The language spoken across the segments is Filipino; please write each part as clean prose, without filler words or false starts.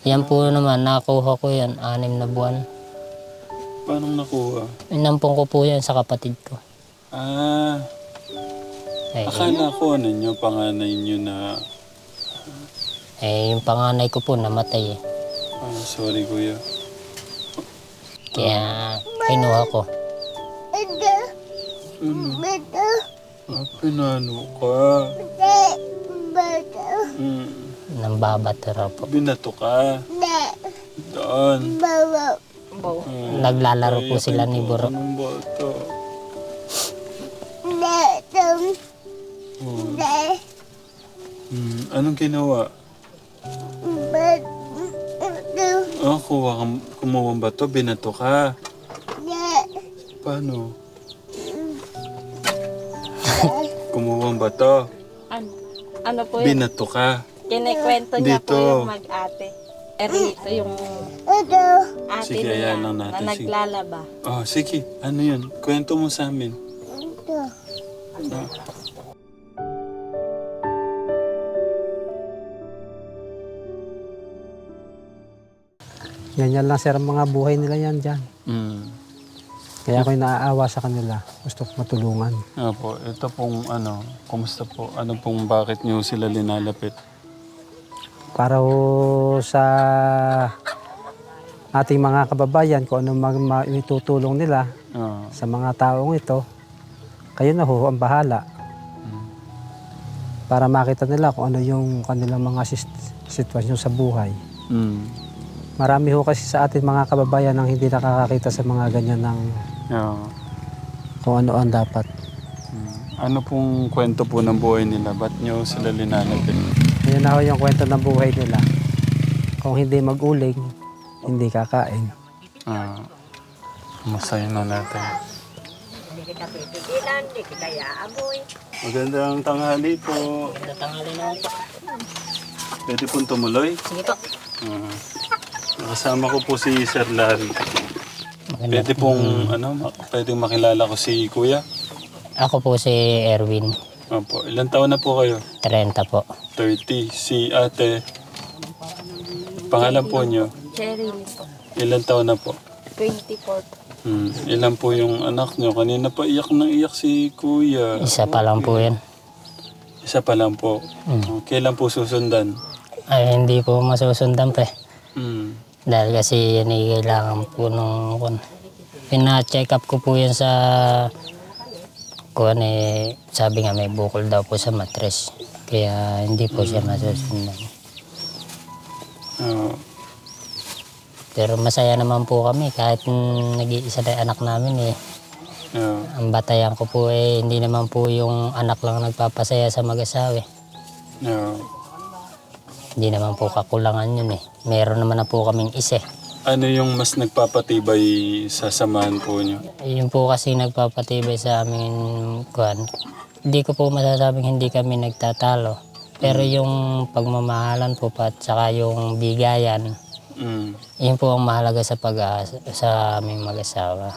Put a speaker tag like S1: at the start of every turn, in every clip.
S1: Yan po naman, nakuha ko yan, 6 na buwan.
S2: Paano nakuha?
S1: Inampong ko po yan sa kapatid ko.
S2: Ah,
S1: Eh,
S2: akala ko ano nyo, panganay nyo na...
S1: yung panganay ko po namatay eh.
S2: Ah, sorry kuya.
S1: Kaya kinuha ko.
S2: Ah, pinano ka?
S1: Nambabato raw po.
S2: Binato ka? Doon.
S1: Naglalaro po sila ni Buro.
S2: Anong bata? Anong ginawa? Ah, kumuha ba to? Binato ka? Paano? Kumuha ba to?
S3: Ano po yun?
S2: Binato ka?
S3: Kinikwento niya
S2: Dito.
S3: po yung mag-ate. Rito yung ate
S2: Sige,
S3: niya
S2: ayan lang natin.
S3: na
S2: Sige.
S3: naglalaba.
S2: Oh, sige. Ano yun? Kwento mo sa amin. Ah.
S4: Ganyan lang sir ang mga buhay nila yan dyan.
S2: Mm.
S4: Kaya ako'y naaawa sa kanila. Gusto ko matulungan.
S2: Opo, ito pong ano, kumusta po? Ano pong bakit niyo sila linalapit?
S4: Para ho sa ating mga kababayan, kung ano itutulong nila
S2: Ah,
S4: sa mga taong ito, kayo na ho ang bahala. Para makita nila kung ano yung kanilang mga sitwasyon sa buhay.
S2: mm.
S4: Marami ho kasi sa ating mga kababayan ang hindi nakakakita sa mga ganyan ng
S2: Yeah.
S4: kung ano ang dapat.
S2: Ano pong kwento po ng buhay nila? Ba't niyo sila linalapit?
S4: Ayan na ho yung kwento ng buhay nila. Kung hindi mag-uling, hindi kakain.
S2: Ah, masaya na natin. Magandang tanghali po.
S1: Natangali na po.
S2: Pwede pong tumuloy?
S1: Sige po.
S2: Kasama ko po si Sir Larry. Pwede pong pwedeng makilala ko si Kuya?
S1: Ako po si Erwin,
S2: Opo. Ilan taon na po kayo?
S1: 30 po.
S2: 30. Si ate. Pangalan po niyo?
S3: Cheryl po.
S2: Ilan taon na po?
S3: 24.
S2: Ilan po yung anak niyo? Kanina pa iyak nang iyak si Kuya.
S1: Isa pa lang po yan.
S2: Isa pa lang po. Kailan po susundan?
S1: Ay, hindi po masusundan pa eh.
S2: Mm.
S1: Dahil kasi yan ay kailangan po nung pina-check up ko po yan sa sabi nga may bukol daw po sa matres. Kaya hindi po siya masusundan.
S2: Ah,
S1: Pero masaya naman po kami kahit nag-iisa na anak namin eh.
S2: ah,
S1: Ang batayan ko po eh, hindi naman po yung anak lang nagpapasaya sa mag-asawa eh.
S2: ah.
S1: Hindi naman po kakulangan yun eh. Meron naman na po kaming isa eh.
S2: Ano yung mas nagpapatibay sa samahan po niyo?
S1: Yun po kasi nagpapatibay sa amin, hindi ko po masasabing hindi kami nagtatalo. Pero yung pagmamahalan po at saka yung bigayan,
S2: Mm.
S1: yun po ang mahalaga sa aming mag-asawa.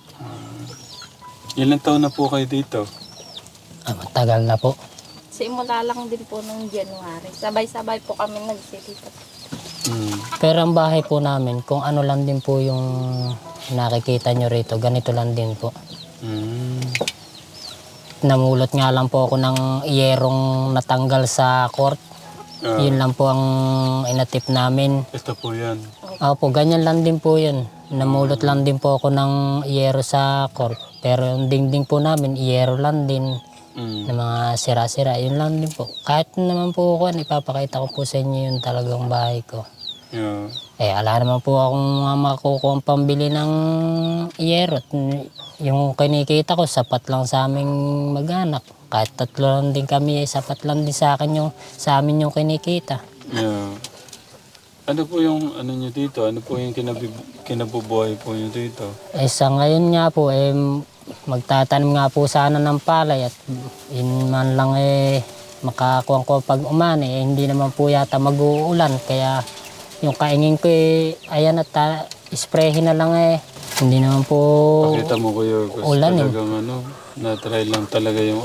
S2: Ilan taon na po kayo dito?
S1: Matagal na po.
S3: Simula lang din po nung January. Sabay-sabay po kami nagsilipat.
S2: Mm.
S1: Pero ang bahay po namin, kung ano lang din po yung nakikita nyo rito, ganito lang din po.
S2: Mm.
S1: Namulot nga lang po ako ng iyerong natanggal sa court.
S2: Ah,
S1: Yun lang po ang inatip namin.
S2: ito po yan.
S1: Opo, ganyan lang din po yun. Namulot lang din po ako ng iyero sa court. Pero yung dingding po namin, iyero lang din.
S2: Mm.
S1: Na mga sira-sira, yun lang din po. Kahit naman po ako, ipapakita ko po sa inyo yung talagang bahay ko.
S2: Yeah.
S1: Ala naman po akong makukuha ang pambili ng iyero. Yung kinikita ko, sapat lang sa aming mag-anak. Kahit 3 lang din kami, sapat lang din sa akin sa amin yung kinikita.
S2: Yeah. Ano po yung ano nyo dito? Ano po yung kinabubuhay po nyo dito?
S1: Sa ngayon nga po, magtatanim nga po sana ng palay at yun man lang makakuha ko pag umani. Hindi naman po yata mag-uulan. Kaya yung kaingin ko ayan at isprehin na lang Hindi naman po
S2: Pakita mo kuya, gusto
S1: ulan
S2: talagang na-try lang talaga yung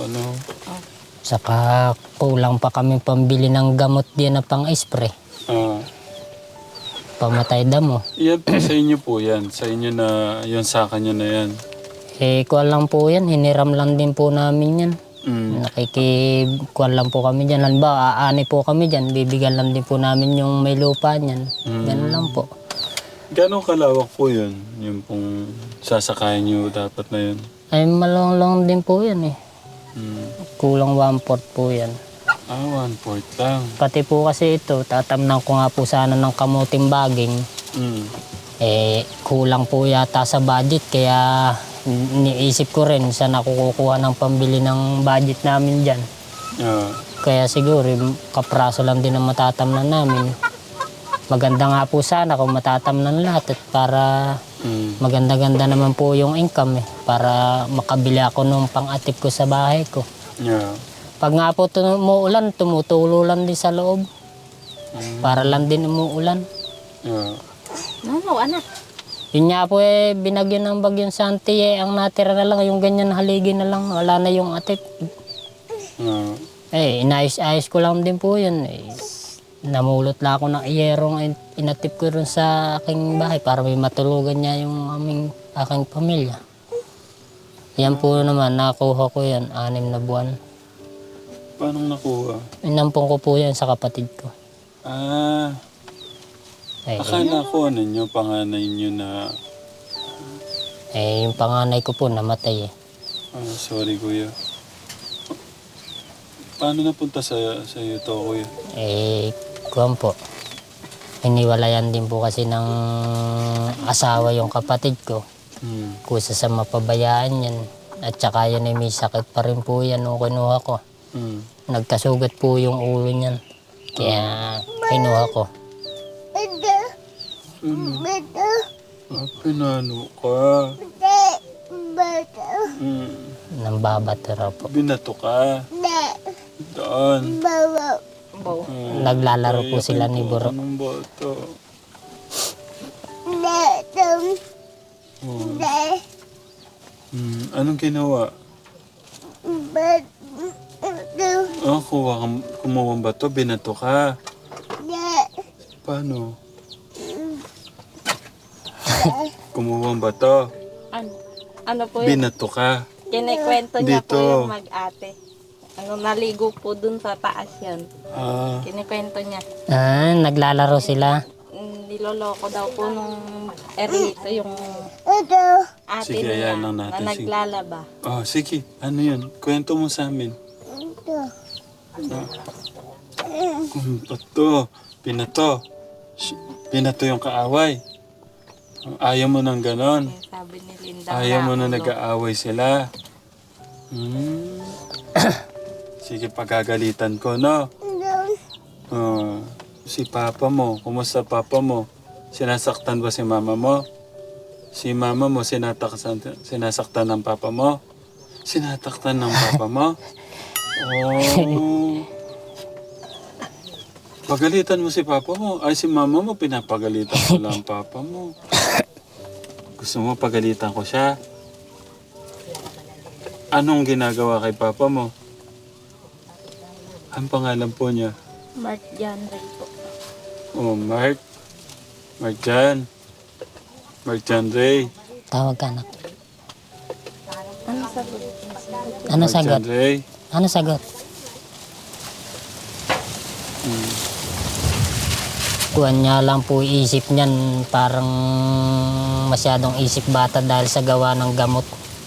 S1: Saka kulang pa kami pambili ng gamot din na pang-spray.
S2: Ah,
S1: pamatay damo.
S2: Yan po, sa inyo po yan. Sa inyo na, yan sa kanya na yan.
S1: Kuwan lang po yan, hiniram lang din po namin yan.
S2: Mm.
S1: Nakikikuan lang po kami dyan. Halimbawa, aani po kami dyan, bibigyan lang din po namin yung may lupa niyan. Ganun lang po.
S2: Gano'ng kalawak po yun? Yung pong sasakayan nyo dapat na yun?
S1: Ay, malong din po yan eh.
S2: Mm.
S1: Kulang 1/4 po yan.
S2: 1/4 lang.
S1: Pati po kasi ito, tatamnan ko nga po sana ng kamuting baging.
S2: Mm.
S1: Kulang po yata sa budget, kaya niisip ko rin saan ako kukuha ng pambili ng budget namin dyan.
S2: Yeah.
S1: Kaya siguro, kapraso lang din ang matatamnan namin. Maganda nga po sana kung matatamnan lahat at para maganda-ganda naman po yung income para makabili ako nung pang-atip ko sa bahay ko.
S2: Yeah.
S1: Pag nga po umuulan, tumutulo lang din sa loob. Para lang din umuulan.
S2: Yeah.
S3: No, anak.
S1: Yun nga po binagyo ng bagyong Santi ang natira na lang, yung ganyan haligi na lang, wala na yung atip. Inayos-ayos ko lang din po yun. Namulot lang ako ng iyerong inatip ko rin sa aking bahay para may matulugan niya yung aking pamilya. Yan po naman, nakuha ko yan, 6 na buwan.
S2: Paano nakuha?
S1: Inampong ko po yan sa kapatid ko.
S2: Akala ko ano nyo, panganay nyo na...
S1: Yung panganay ko po namatay
S2: sorry kuya. Paano napunta sa iyo to kuya?
S1: Kuwan po. Hiniwalayan din po kasi ng asawa yung kapatid ko. Kusa sa mapabayaan yan. At saka yan may sakit pa rin po yan nung kinuha ko. Nagkasugat po yung ulo niyan. Kaya kinuha ko.
S2: Pinano ka?
S1: Nambabato raw po.
S2: Binato ka? Doon.
S1: Naglalaro po sila ni Buro.
S2: Anong bato? Anong ginawa? Kumuha ang bato, binato ka? Paano? Kumuha ang bato,
S3: Ano po yun?
S2: binato ka?
S3: Kinikwento niya
S2: Dito.
S3: po yung mag-ate. Naligo po dun sa taas yan. Kinikwento niya.
S1: Naglalaro sila.
S3: Niloloko daw po nung erito yung ate
S2: Sige,
S3: niya
S2: ayan lang
S3: na
S2: natin, sige.
S3: naglalaba.
S2: Sige, ano yun? Kwento mo sa amin. Bato, binato. Binato yung kaaway. Ayaw mo ng ganon.
S3: Sabi ni Linda.
S2: Ayaw mo na nag-aaway sila. Sige, pagagalitan ko, no? Si papa mo, kumusta papa mo? Sinasaktan ba si mama mo? Si mama mo, sinasaktan ng papa mo? Sinataktan ng papa mo? Pagalitan mo si papa mo. Ay, si mama mo, pinapagalitan ko lang papa mo. Gusto mo pagalitan ko siya? Anong ginagawa kay papa mo? Ang pangalan po niya?
S3: Mark Jan Ray po.
S2: Mark. Mark Jan. Mark Jan Ray.
S1: Tawag ka anak.
S3: Ano sagot?
S1: Ano
S2: Mark
S1: sagot?
S2: Jan Ray.
S1: Ano sagot? Kuwan niya lang po isip niyan, parang masyadong isip bata dahil sa gawa ng gamot.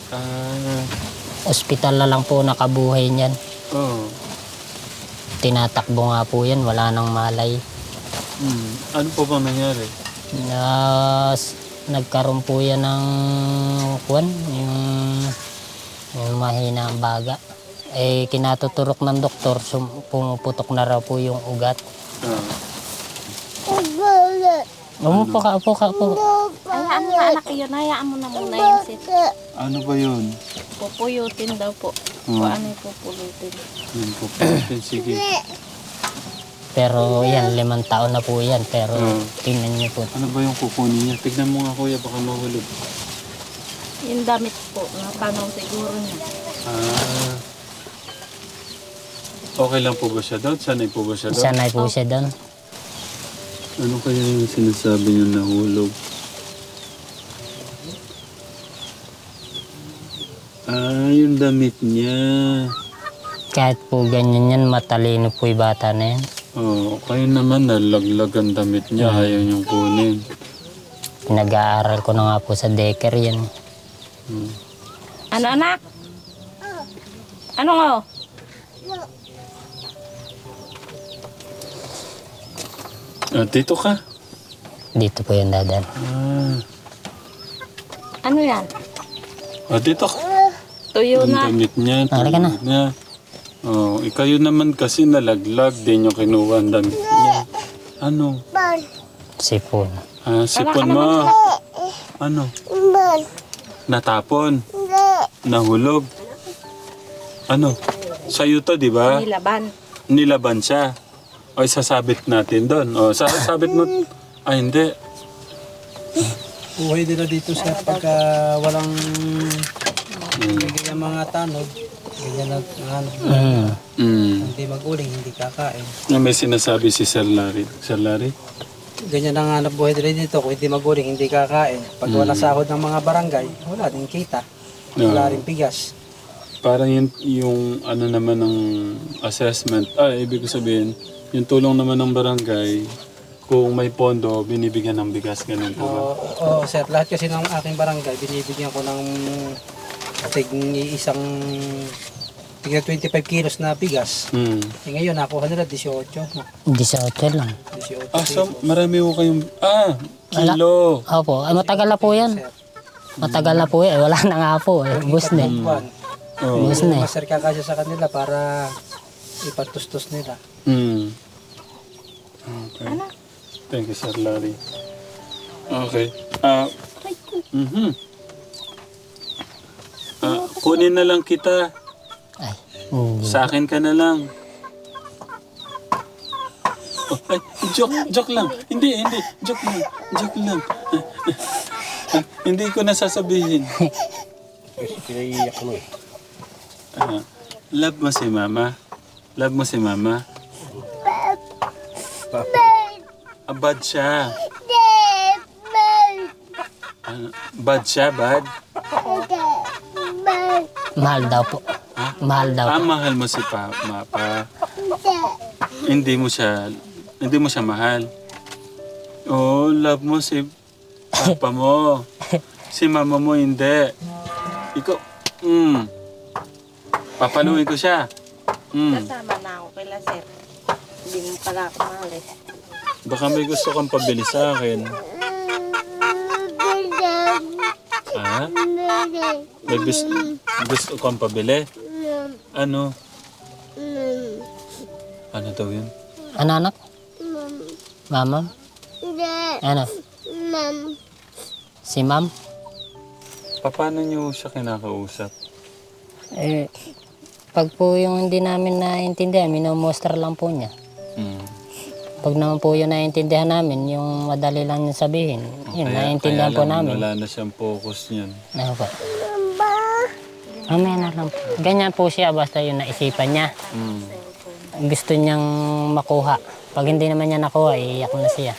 S1: Ospital na lang po nakabuhay niyan. Tinatakbo nga po yan, wala nang malay.
S2: Ano po bang nangyari?
S1: Nagkaroon po yan ng kuwan, yung mahina ang baga. Kinatuturok ng doktor, pumuputok na raw po yung ugat. Umupo ka.
S3: Hayaan mo na anak yun. Hayaan mo na muna yung sit.
S2: Ano ba yun?
S3: Pupuyutin daw po. Kung ano yung pupulutin.
S2: Yun po. Sige.
S1: Pero yan, 5 taon na po yan. Pero tingnan niyo po.
S2: Ano ba yung kukunin niya? Tignan mo nga kuya, baka mahulog.
S3: Yung damit po. Napanaw siguro niya.
S2: Okay lang po ba siya doon? Sanay po ba siya doon?
S1: Sanay po siya doon.
S2: Ano kaya yung sinasabi niyo nahulog? Yung damit niya.
S1: Kahit po ganyan yan, matalino po yung bata na yan.
S2: Kayo naman nalaglag ang damit niya, ayaw niyong kunin.
S1: Pinag-aaral ko na nga po sa daycare yan.
S3: Ano anak? Ano nga?
S2: Dito ka?
S1: Dito po yung dadan.
S3: Ano yan?
S2: Dito ka.
S3: Tuyo
S2: Ang
S3: na.
S2: damit niya,
S1: Halika na.
S2: damit niya. Ikayo naman kasi nalaglag, di niyo kinuha ang damit niya. Ano?
S1: Sipon.
S2: Sipon mo. Ano? Natapon. Nahulog. Ano? Sa'yo to, di ba?
S3: Nilaban.
S2: Nilaban siya. O, sasabit natin doon. O, sasabit mo. Hindi.
S4: Buhay nila dito sa pagka walang ganyan mga tanod. Ganyan na hindi mag-uling, hindi kakain.
S2: May sinasabi si Sir Larry. Sir Larry?
S4: Ganyan ang hanap buhay nila dito. Kung hindi mag-uling, hindi kakain. Pag wala sahod ng mga barangay, wala din kita. Wala rin bigas.
S2: Parang yung ano naman ng assessment. Ibig ko sabihin, yung tulong naman ng barangay, kung may pondo, binibigyan ng bigas. Ganun po ba?
S4: Oo, sir. Lahat kasi ng aking barangay, binibigyan ko ng isang tigna 25 kilos na bigas. Ngayon, nakuha nila 18.
S1: 18 lang.
S4: 18
S2: So marami ko kayong... kilo.
S1: Opo, ay matagal na po yan. Matagal na po yan. Wala na nga po. Bus na. Bus na.
S4: Maser kakasya sa kanila para ipatustos nila.
S2: Okay. Thank you, Sir Larry. Okay. Kunin na lang kita.
S1: Ay, hindi.
S2: Sa akin ka na lang. Joke lang. Hindi. Joke lang. Hindi ko nasasabihin.
S4: Pinaiiyak mo eh.
S2: Love mo si Mama? Love mo si Mama? Bad siya. Bad siya, bad?
S1: Mahal daw po. Mahal daw po.
S2: Mahal mo si Mapa. Hindi mo siya mahal. Love mo si Papa mo. Si Mama mo hindi. Ikaw, papaluin ko siya.
S3: Kasama na ako kila sir. Hindi mo pala ako mahal eh.
S2: Baka may gusto kang pabili sa akin. May gusto kang pabili? Ano? Ano daw yun?
S1: Ano anak? Mama? Ano? Si ma'am?
S2: Paano niyo siya kinakausap?
S1: Pag po yung hindi namin naintindihan, minomuster lang po niya. Pag naman po yung naintindihan namin, yung madali lang niya sabihin, yun, naintindihan po namin.
S2: Wala na siyang focus niyan.
S1: Ano po? Mamaya na lang po. Ganyan po siya, basta yung naisipan niya. Gusto niyang makuha. Pag hindi naman niya nakuha, iiyak na siya.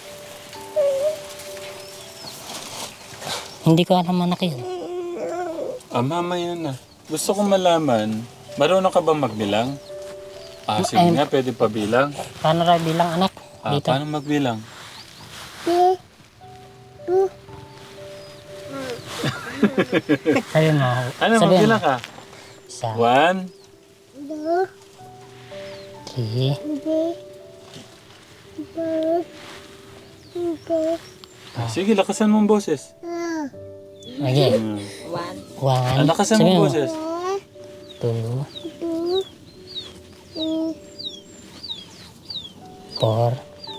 S1: Hindi ko alam anak yun.
S2: Mamaya na. Gusto kong malaman, marunong ka ba magbilang? Sige nga, pwede pa bilang.
S1: Paano raw bilang anak? Dito.
S2: Paano magbilang?
S1: Sabi mo.
S2: Ano,
S1: sabi
S2: magbilang ka?
S1: Isa,
S2: 1,
S1: 3,
S2: sige, lakasan mo ang boses.
S1: okay. 1,
S2: Lakasan mo ang boses.
S1: 2, 4,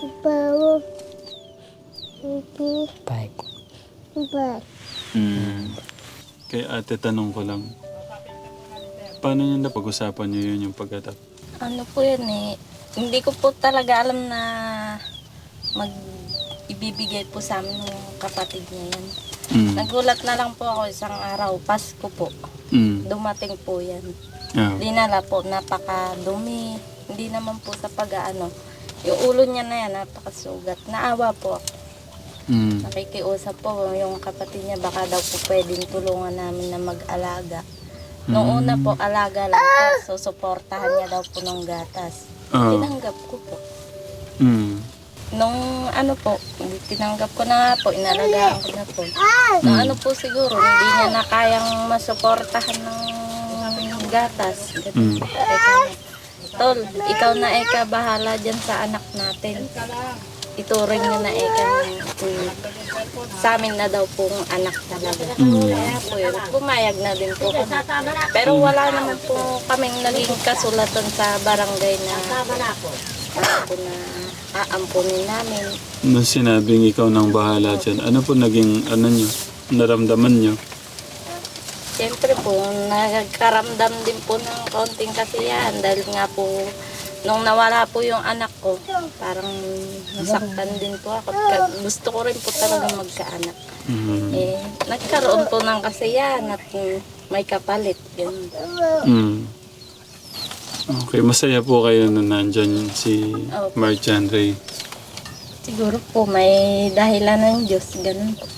S1: 5.
S2: Kay ate, tanong ko lang. Paano nyo napag-usapan nyo yun yung pag-atak?
S3: Ano po yun eh. Hindi ko po talaga alam na ibibigay po sa amin ng kapatid niya yan. Nagulat na lang po ako isang araw, Pasko po. Dumating po yan. Dinala po, napakadumi. Hindi naman po sa pag-ano. Yung ulo niya na yan, napakasugat. Naawa po ako. Nakikiusap po yung kapatid niya, baka daw po pwedeng tulungan namin na mag-alaga. Noong una po, alaga lang po. Susuportahan niya daw po ng gatas. Tinanggap ko po. Nung ano po, tinanggap ko na nga po, inalagaan ko na po. Nung ano po siguro, hindi niya na kayang masuportahan ng gatas. Tol, ikaw na eka bahala dyan sa anak natin. Ituring niya na eka sa amin na daw pong anak talaga. Kaya po yun, pumayag na din po kami. Pero wala naman po kaming naging kasulatan sa barangay na aampunin namin.
S2: Nung sinabing ikaw nang bahala dyan, ano po naging, nyo, naramdaman nyo?
S3: Siyempre po, nagkaramdam din po ng konting kasiyahan dahil nga po, nung nawala po yung anak ko, parang nasaktan din po ako. Gusto ko rin po talaga magkaanak. Nagkaroon po ng kasiyahan at may kapalit. Yun.
S2: Okay, masaya po kayo na nandyan si Marjan Ray.
S3: Siguro po may dahilan ng Diyos, ganun po.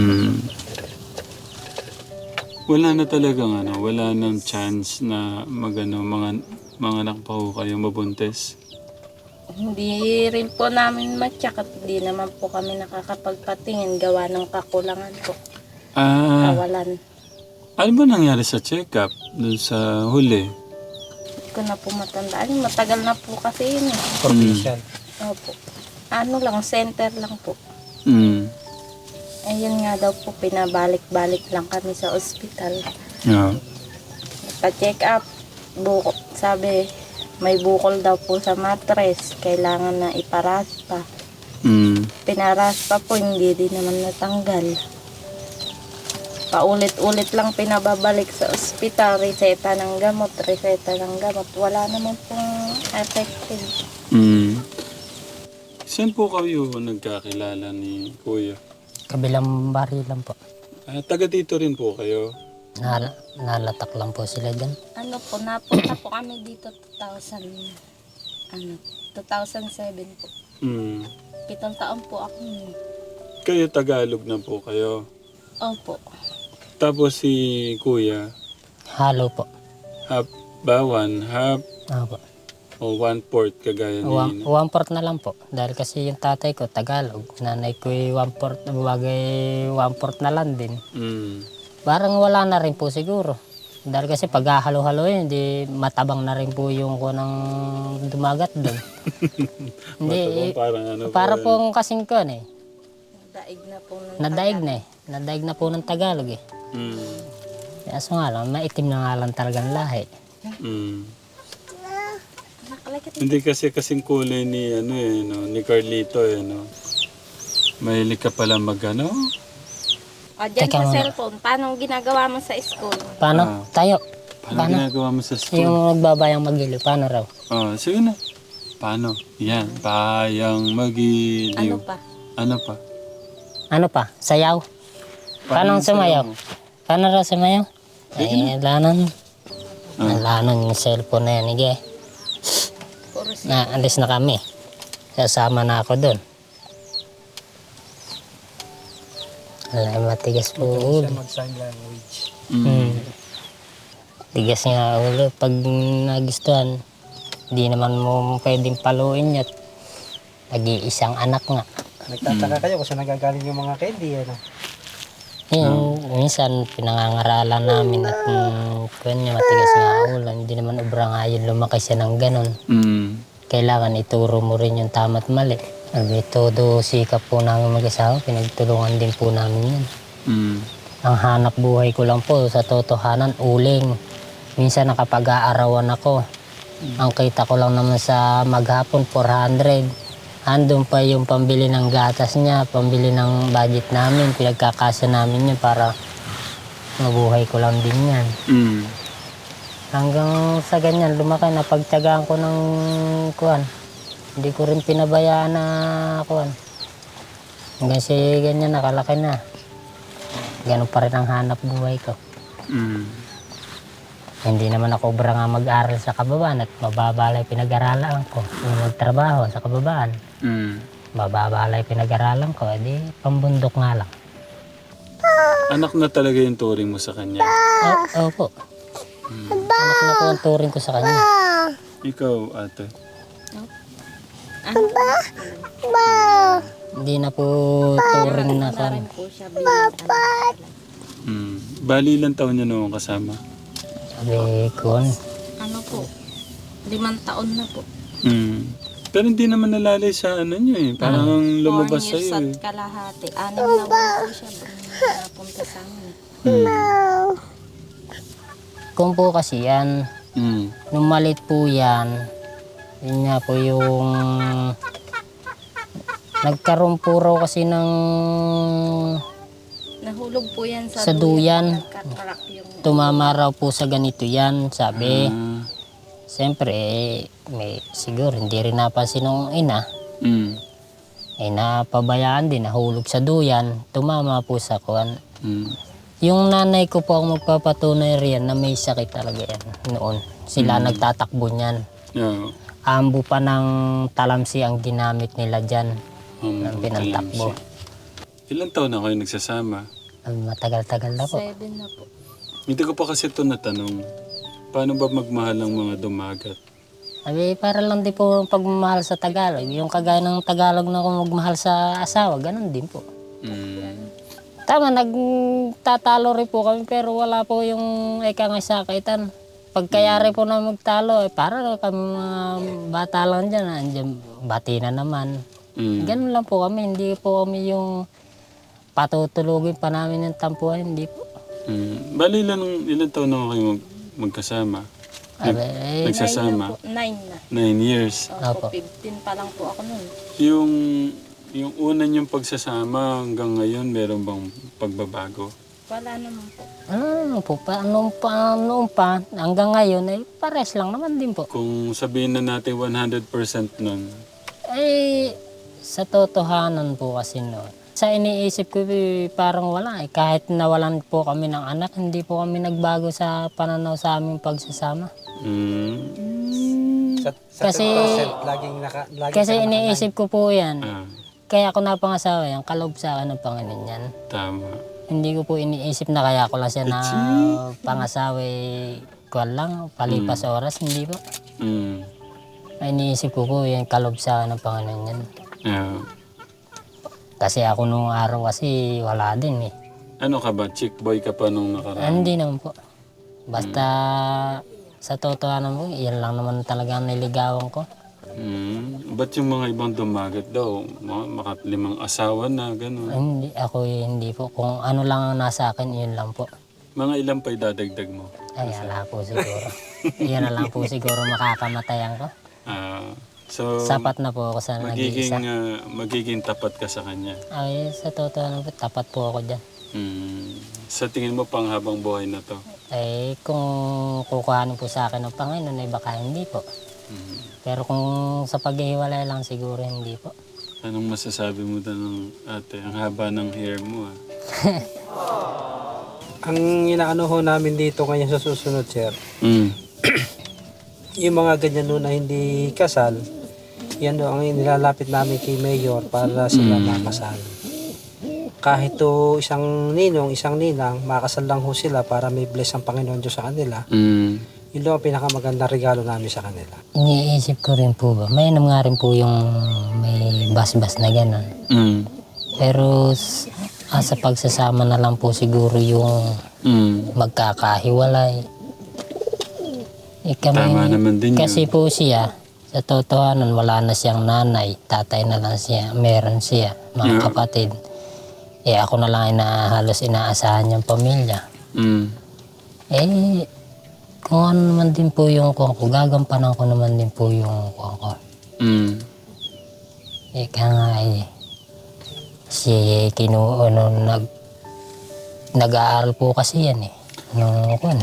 S2: Wala na talagang wala nang chance na mga anak pa ho kayo mabuntis.
S3: Hindi rin po namin matyak at hindi naman po kami nakakapagpatingin gawa ng kakulangan po. Kawalan.
S2: Ano ba nangyari sa check-up dun sa huli?
S3: Hindi ko na po matandaan. Matagal na po kasi yun.
S4: Provincial.
S3: Opo. Ano lang, center lang po. Ayun nga daw po, pinabalik-balik lang kami sa ospital. Pa-check up, sabi, may bukol daw po sa matres, kailangan na iparaspa. Pinaraspa po, hindi din naman natanggal. Paulit-ulit lang pinababalik sa ospital, reseta ng gamot, wala naman pong effective.
S2: Saan po kayo nagkakilala ni Kuya?
S1: Kabilang bari lang po.
S2: Taga dito rin po kayo?
S1: Nalatak lang po sila dyan.
S3: Ano po, napunta po kami dito 2007 po. 7 taon po ako nun.
S2: Kayo Tagalog na po kayo?
S3: Opo.
S2: Tapos si Kuya?
S1: Halo po.
S2: Half ba? One half?
S1: Opo.
S2: O 1/4 kagaya ni
S1: 1/4 na lang po. Dahil kasi yung tatay ko Tagalog. Nanay ko 1/4, bagay 1/4 na lang din. Parang wala na rin po siguro. Dahil kasi pag halo-halo yun, hindi matabang na rin po yung kunang dumagat doon. Hindi, para pong kasing ko eh.
S3: Nadaig na po ng
S1: Nadaig na po ng Tagalog eh. Kaso nga lang, maitim na nga lang talagang lahi.
S2: Hindi kasi kasing kulay ni ni Carlito Mahilig ka pala dyan
S3: sa cellphone, paano ginagawa mo sa school?
S1: Paano? Tayo.
S2: Paano ginagawa mo sa school?
S1: Yung nagbabayang magiliw, paano raw?
S2: Sige na. Paano? Yan, bayang magiliw.
S3: Ano pa?
S1: Sayaw. Paano sumayaw? Paano raw sumayaw? Ay, lanon. Lanon yung cellphone na yan, ige. Alis na kami. Sasama na ako doon. Alay, matigas po ulo.
S4: Mag-sign language.
S1: Tigas nga ulo. Pag nagustuhan, hindi naman mo pwedeng paluin yun. Nag-iisang anak nga.
S4: Nagtataka kayo kung saan nagagaling yung mga candy,
S1: Minsan pinangangaralan namin at matigas nga ulo. Hindi naman ubra nga yun lumaki siya ng ganon. Kailangan ituro mo rin yung tama't mali. Todo sikap po namin mag-asawa, pinagtulungan din po namin yun. Ang hanap buhay ko lang po sa totohanan, uling. Minsan nakapag-aarawan ako. Ang kita ko lang naman sa maghapon, 400. Andun pa yung pambili ng gatas niya, pambili ng budget namin, pinagkakasa namin yun para mabuhay ko lang din yan. Hanggang sa ganyan, lumaki na pagtyagaan ko ng kuwan. Hindi ko rin pinabayaan na kuwan. Hanggang si ganyan, nakalaki na. Ganun pa rin ang hanap buhay ko. Hindi naman ako obra nga mag-aral sa kababaan at mababalay pinag-aralan ko. Yung magtrabaho sa kababaan,
S2: Mm.
S1: mababalay pinag-aralan ko, edi pambundok nga lang.
S2: Anak na talaga yung turing mo sa kanya.
S1: Opo. Anak na po ang turing ko sa kanya.
S2: Ikaw, ate.
S1: Hindi na po turing na
S3: Na
S1: kan.
S3: rin po siya bilang anak.
S2: Bali ilang taon niya noong kasama?
S1: Sabi ko,
S3: Ano po, 5 taon na po.
S2: Pero hindi naman nalalay sa ano niyo eh. Parang lumabas
S3: 4 years
S2: sa'yo eh.
S3: at kalahati. 6 na buwan po siya napunta sa amin.
S1: kung po kasi yan, nung malit po yan, yun nga po yung nagkaroon po raw kasi ng
S3: Nahulog po yan
S1: Sa duyan.
S3: Nagkatrak yung
S1: tumama raw po sa ganito yan, sabi.
S2: Ah.
S1: Siyempre, may, siguro hindi rin napansin ng ina. Napabayaan din, nahulog sa duyan, tumama po sa kuwan. Yung nanay ko po ang magpapatunay riyan na may sakit talaga yan noon. Sila nagtatakbo niyan.
S2: Yeah.
S1: Ambo pa ng talamsi ang ginamit nila dyan. Ng pinantakbo.
S2: Ilang taon na kayo nagsasama?
S1: Matagal-tagal na po.
S3: 7 na po.
S2: Hindi ko pa kasi ito natanong. Paano ba magmahal ng mga dumagat?
S1: Sabi, para lang din po ang pagmamahal sa Tagalog. Yung kagaya ng Tagalog na kung magmahal sa asawa, ganun din po. Tama, nagtatalo rin po kami pero wala po yung ikang sakitan. Pagkayari po na magtalo, para kami mga bata lang dyan, andyan, bati na naman. Ganun lang po kami, hindi po kami yung patutulugin pa namin ng tampuhan, hindi po.
S2: Bali ilang taon na kayo magkasama? Nagsasama?
S3: 9 na.
S2: 9 years.
S1: Opo.
S3: 15 pa lang po ako nun.
S2: Yung una niyong pagsasama hanggang ngayon, meron bang pagbabago?
S3: Wala naman po.
S1: Noon pa, hanggang ngayon, pares lang naman din po.
S2: Kung sabihin na natin 100% nun,
S1: Sa totohanan po kasi noon, sa iniisip ko parang wala kahit nawalan po kami ng anak, hindi po kami nagbago sa pananaw sa aming pagsasama.
S4: Sa
S1: Kasi-
S4: 10%, laging
S1: Kasi iniisip ko po yan,
S2: ah,
S1: kaya ako napangasawa yan, kalob sa akin ng Panginoon yan.
S2: tama.
S1: Hindi ko po iniisip na kaya ko lang siya na pangasawa kuwan lang, palipas oras, hindi po. Ay, iniisip ko po yan, kalob sa akin ng Panginoon yan.
S2: Yeah.
S1: Kasi ako nung araw kasi wala din eh.
S2: Ano ka ba? Chick boy ka pa nung nakaraan?
S1: Hindi naman po. Basta sa totohanan po, yan lang naman talaga ang niligawan ko.
S2: Ba't yung mga ibang dumagat daw? Makalimang asawa na, gano'n.
S1: Hindi, ako hindi po. Kung ano lang ang nasa akin, yun lang po.
S2: Mga ilan pa idadagdag mo?
S1: Ay, ala po siguro. Yan na lang po siguro makakamatayan ko.
S2: So,
S1: Sapat na po ako sa nag-iisa.
S2: magiging tapat ka sa kanya.
S1: Ay, sa totohanan po, tapat po ako dyan.
S2: Sa tingin mo pang habang buhay na to?
S1: Eh, kung kukuhanin po sa akin ng Panginoon, ay baka hindi po. Pero kung sa paghihiwalay lang, siguro hindi po.
S2: Anong masasabi mo doon ng ate? Ang haba ng hair mo ah.
S4: Ang inaano ho namin dito ngayon sa susunod, sir, yung mga ganyan no na hindi kasal, yan ho ang nilalapit namin kay Mayor para sila makasal. Kahit to isang ninong, isang ninang, makasal lang ho sila para may bless ang Panginoon Diyos sa kanila. Yun lang ang pinakamagandang regalo namin sa kanila.
S1: Iniisip ko rin po ba, may nga rin po yung may bas-bas na gano'n. Pero sa pagsasama na lang po siguro yung magkakahiwalay.
S2: Tama naman din
S1: Kasi
S2: yun.
S1: po siya, sa totohanan wala na siyang nanay, tatay na lang siya, meron siya, mga kapatid. Ako na lang halos inaasahan niyang pamilya. Kung ano naman din po yung kuha ko, gagampanan ko naman din po yung kuha ko. Kaya nga si nag-aaral po kasi yan eh. Nung kuha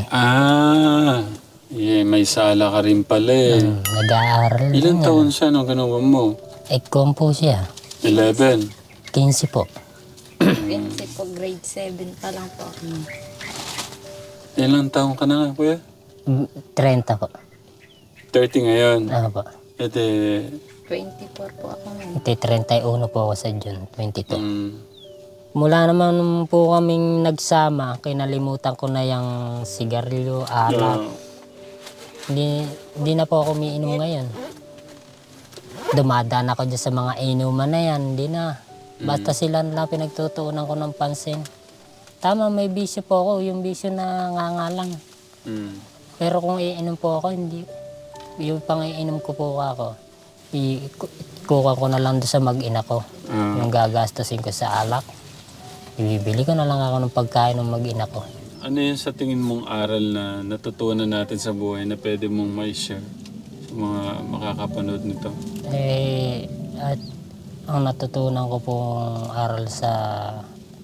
S2: may sala ka rin pala eh.
S1: Nag-aaral.
S2: Ilang taon siya nung ginawa mo?
S1: Kung po siya,
S2: 11.
S1: 15 po.
S3: 15 po, grade 7 pa lang po.
S2: Ilang taon ka na nga, kuya?
S1: 30 po.
S2: 30 ngayon.
S1: Ano po.
S2: Ete,
S3: 24 po ako ngayon.
S1: 31 po ako sa June 22.
S2: mm,
S1: Mula naman nung po kaming nagsama, kinalimutan ko na yung sigarilyo, alak.
S2: ah,
S1: Hindi na po ako umiinom ngayon. Dumadaan ako dyan sa mga inuman na yan, hindi na. Basta sila na pinagtutuunan ko ng pansin. Tama, may bisyo po ako, yung bisyo na ngangalang.
S2: mm,
S1: Pero kung iinom po ako, hindi. Yung pang iinom ko po ako, kuha ko na lang doon sa mag-ina ko.
S2: ah.
S1: Yung gagastusin ko sa alak. Ibibili ko na lang ako ng pagkain ng mag-ina ko.
S2: Ano yun sa tingin mong aral na natutunan natin sa buhay na pwede mong may share sa mga makakapanood nito?
S1: At ang natutunan ko pong aral sa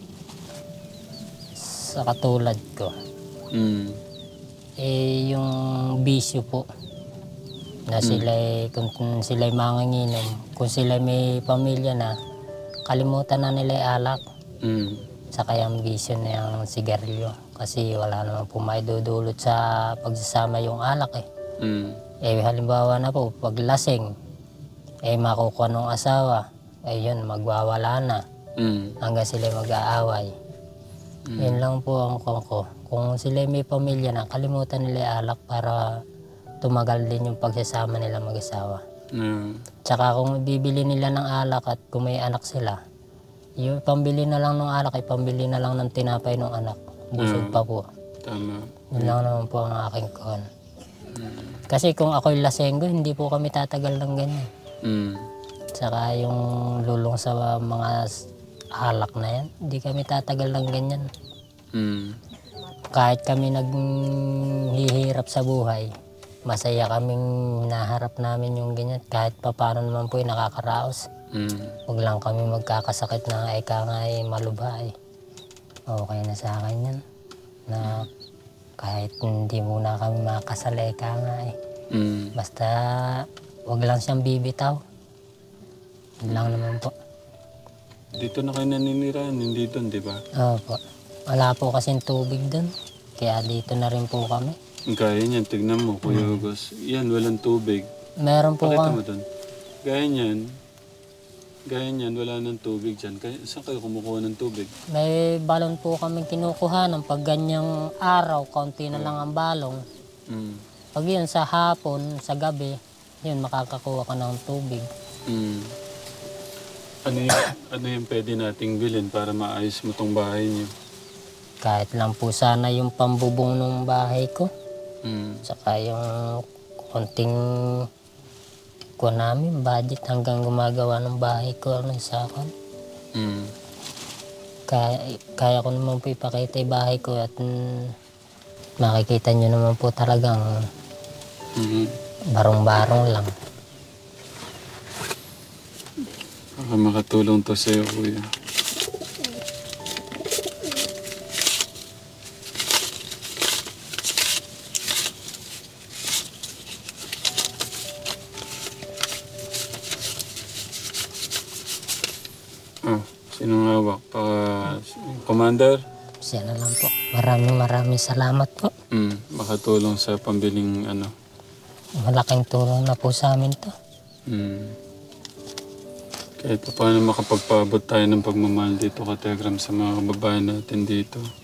S1: katulad ko,
S2: Mm,
S1: yung bisyo po. Na kung sila'y manginginom, kung sila'y may pamilya na, kalimutan na nila yung alak.
S2: mm,
S1: Saka yung bisyo na yung sigarilyo. Kasi wala naman po maidudulot sa pagsasama yung alak eh.
S2: mm,
S1: Halimbawa na po, pag lasing, makukuha ng asawa, yun, magwawala na.
S2: mm,
S1: Hanggang sila mag-aaway. Yun lang po ang ko. Kung sila may pamilya na, kalimutan nila yung alak para tumagal din yung pagsasama nila mag-asawa.
S2: mm,
S1: Tsaka kung bibili nila ng alak at kung may anak sila, yung pambili na lang ng alak ay pambili na lang ng tinapay ng anak. Busog pa po.
S2: tama.
S1: Yun lang naman po ang aking kon. Kasi kung ako'y lasenggo, hindi po kami tatagal ng ganyan.
S2: Mm,
S1: Tsaka yung lulong sa mga alak na yan, hindi kami tatagal ng ganyan.
S2: mm,
S1: Kahit kami naghihirap sa buhay, masaya kaming naharap namin yung ganyan. Kahit paano naman po yung nakakaraos.
S2: mm,
S1: Huwag lang kami magkakasakit na eka nga malubha eh. Okay na sa akin yan. Na kahit hindi muna kami makasal eka nga eh.
S2: mm.
S1: Basta huwag lang siyang bibitaw. Yun lang naman po.
S2: Dito na kayo naninirahan, hindi doon, di ba?
S1: Opo. Wala po kasing tubig doon. Kaya dito na rin po kami.
S2: Gaya niyan, tignan mo, Kuya Hugos. Yan, walang tubig.
S1: Meron po
S2: Pakita
S1: kami.
S2: mo doon. Gaya niyan, wala nang tubig dyan. Saan kayo kumukuha ng tubig?
S1: May balon po kami kinukuha ng pag ganyang araw, kaunti na lang ang balong.
S2: Mm,
S1: Pag yun sa hapon, sa gabi, yun makakakuha ka ng tubig.
S2: mm. Ano yung pwede nating bilhin para maayos mo tong bahay niyo?
S1: Kahit lang po sana yung pambubong ng bahay ko.
S2: Mm,
S1: Saka yung konting kuha namin, budget hanggang gumagawa ng bahay ko ng sakon.
S2: mm,
S1: Kaya ko naman po ipakita yung bahay ko at makikita nyo naman po talagang
S2: mm.
S1: barong-barong lang.
S2: Baka makatulong to sa'yo, Kuya. Sinong hawak? Commander?
S1: Siya na lang po. Maraming salamat po.
S2: Makatulong sa pambiling ano.
S1: Malaking tulong na po sa amin to.
S2: Kahit pa paano makapagpaabot tayo ng pagmamahal dito ka Telegram sa mga kababayan natin dito.